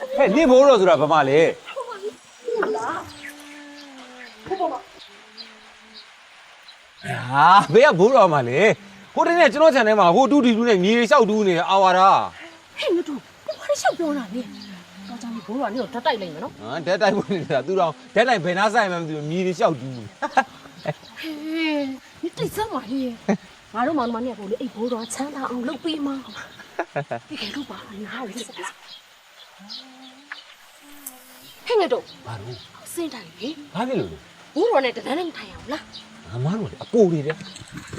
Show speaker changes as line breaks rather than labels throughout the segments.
ဟဲ့နေဘိုးတော်ဆိုတာဘာမှလဲဟာဘေးကဘိုးတော်မှလေဟိုတနေ့ကျွန်တော်ခြံထဲမှာဟိုတူတီတူနဲ့မြေလျှောက်တူးနေအာဝါဒ
ဟဲ့ငါတို့ဘာလဲရှောက်ပြောတာလဲတော့ကြောင့်ဘိုးတော်ကနေတော့ဓာတ်တိုက်လိုက်မယ်နော်
ဟာဓာတ်တိုက်ဖို့နေတာသူတော်ဓာတ်တိုက်ဘယ်နာဆိုင်မှမသိဘူးမြေလျှောက်တူး
ဟဲ့你对什么嘞？俺都忙忙呢，我哩一波多抢他အောင်လုပ်ပေးမှာဒီကဲတော့ပါငါ့ကိုစက်ဟဲ့ငါတို့
ဘာလို့
စင်းတိုင်းလေ
ဘာဖြစ်လို့လဲ
ဘိုးတော်နဲ့တန်းနဲ့ထိုင်အောင်လား
ငါမတို့အပိုတွေတဲ့
ဟဲ့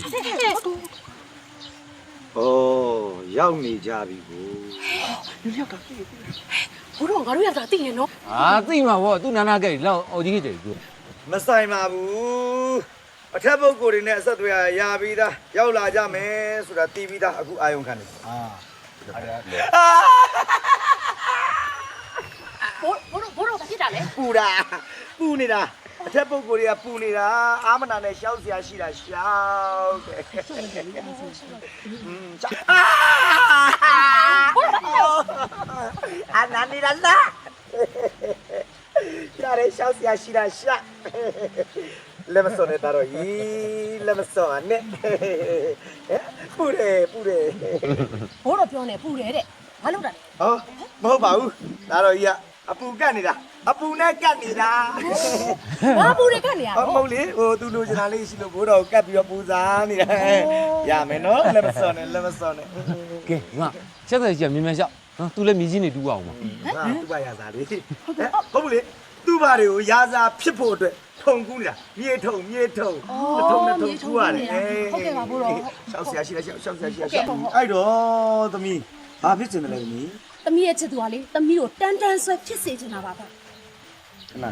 哦，要你家比不？
လူရောက်တာဘိုးတော်ငါတို့ရောက်တာသိနေနော်
ဟာသိမှာဗောသူနာနာကြိတ်လောက်အော်ကြီးကြိတ်သူ
မဆိုင်ပါဘူးအထက်ပုဂ္ဂိုလ်တွေနဲ့အဆက်အသွယ်ရပြီးသားရောက်လာကြမယ်ဆိုတာတီးပြီးသားအခုအာယုံခံနေဘိုး
တော်ကဖြစ်တာလေ
ပူနေတာအထက်ပုဂ္ဂိုလ်တွေကပူနေတာအာမနာနဲ့ရှောက်စရာရှိတာရှောက်တယ်အာနာနေလားရတယ်ရှောက်စရာရှိတာရှာလက်မစောနဲ့တော့ဤလက်မစောနဲ့ပူတယ်
ဘိုးတော်ပြောနေပူတယ်တဲ့ဘာလုပ်တာလဲ
ဟောမဟုတ်ပါဘူးဒါတော့ကြီးကအပူကတ်နေတာအပူနဲ့ကတ်နေတာ
ဘာပူတွေကတ်နေရ
ဟုတ်လေဟိုသူလိုချင်တာလေးရှိလို့ဘိုးတော်ကတ်ပြီးတော့ပူစားနေတာရမယ်နော်လက်မစောနဲ့
ကဲငါချက်သက်ကြီးမြင်မြန်လျှောက်နော်သူလည်းမြည်ကြီးနေတူအောင်ပါ
ဟာသူ့ဘာရစားလေးဟုတ်ဘူးလေသူ့ဘာတွေကိုရာစားဖြစ်ဖို့အတွက်ထုံကူးနေတာမြေထုံနဲ့ထုံကူးရတယ်
ဟုတ်ကဲ့ပါဘိုးတော်
ရှောက်ဆရာရှိလားရှောက်အဲ့တော့သမီးဘာဖြစ်ချင်တယ်လဲသမီး
သမီးရဲ့ချစ်သူကလေသမီးကိုတန်းတန်းဆွဲဖြစ်စေချင်တာပါဗျ
ခဏဟာ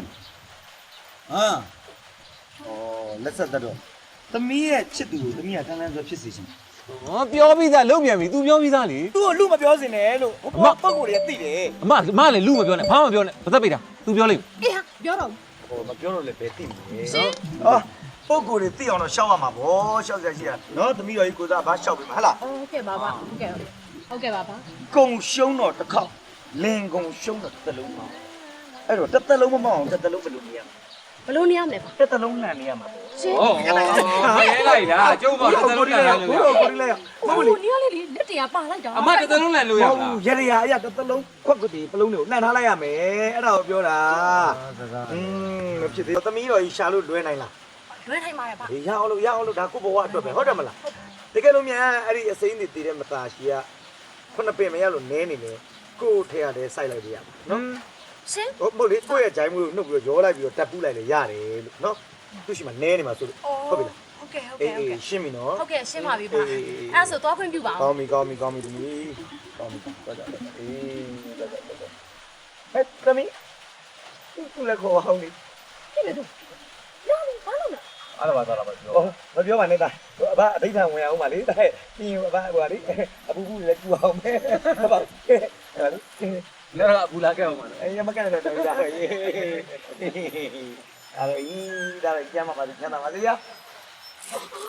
လက်ဆက်တော့သမီးရဲ့ချစ်သူကိုသမီးကတန်းတန်းဆွဲဖြစ်စေချင်
ဟောပြောပြီးသားလုံးမြန်ပြီ तू ပြောပြီးသားလေ
तू ကိုလူမပြောစင်နဲ့လို့ဟိုပုံကိုယ်တွေကသိတယ်
အမလည်းလူမပြောနဲ့ဘာမှမပြောနဲ့ဘာသက်ပိတ်တာ तू ပြောလိမ့်
အေးဟာပြောတော့
ဟိုမပြောတော့လည်းပဲသိမယ်ရှင်ပုံကိုယ်တွေသိအောင်တော့ရှောက်ရမှာဗောရှောက်စရာရှိတာနော်သမီးတော်ကြီးကိုစားဘာရှောက်ပြီမဟုတ်လား
ဟုတ်ကဲ့ပါဟုတ်ကဲ့ပါ
ကုံရှုံးတော့တစ်ခေါက်လင်ကုံရှုံးတော့တစ်လုံးပါအဲ့တော့တစ်လုံးမမောင်းတစ်လုံးဘယ်လိုနေရ
ဘယ်လိုနေရမလဲပါ
တစ်လုံးလှန်နေရမှာ
ရှင်
ရဲလိုက်တာကျုပ်ကတစ်လုံးလှန်လို့
ကိုလိုက်
ဟုတ်လေနေရလေလက်တရားပါလိုက်တာ
အမတစ်လုံးလှန်လို့ရလား
ရဲရအရာတစ်လုံးခွက်ကွတီပလုံးတွေကိုလှန်ထားလိုက်ရမယ်အဲ့ဒါကိုပြောတာမဖြစ်သေးသမီးတော်ကြီးရှာလို့လွဲနိုင်လား
လွဲထိုင်ပါရဲ့ပါ
ရအောင်လို့ဒါကိုဘဝအတွက်ပဲဟုတ်တယ်မလားတကယ်လို့မြန်အဲ့ဒီအစိမ်းတွေတည်တဲ့မသားရှိကခုနှစ်ပင်မရလို့နဲနေတယ်ကိုယ်ထဲရတယ်စိုက်လိုက်ပြရမှာနော်
ရှင်
ဟုတ်လေကိုယ့်ရဲ့ဂျိုင်းမှုနှုတ်ပြီးတော့ရောလိုက်ပြီးတော့တက်ပူးလိုက်လေရတယ်လို့နော်သူရှိမှနဲနေမှာဆိုလို့ဟုတ်ပြီလား
ဟုတ်ကဲ့
ရှင်းပြီနော်
ဟုတ်ကဲ့ရှင်းပါပြီပါအဲ့ဆိုသွားခွင့်ပြုပါ
အောင်ကောင်းပြီသမီးကောင်းပြီသွားကြဟဲ့သမီးသူလည်းခေါ်အောင်လေ
ဖြစ်နေတော့ရောင်းဘာလို့လဲ
အားလာပါပြောမပြောပါနဲ့တာအဘအဋ္ဌံဝင်အောင်ပါလေတဲ့ပြီးအဘဟိုပါလေအပူပူလည်းကျူအောင်မယ်ဟုတ်ပါအဲ့ဒါ
လည်းတော့အပူလာခဲ့အောင်ပါနော်
အေးမကန်တဲ့တော်ကြာရေးအဲ့ဒါကြီးဒါလည်းကျမ်းပါပါညနာပါလေရ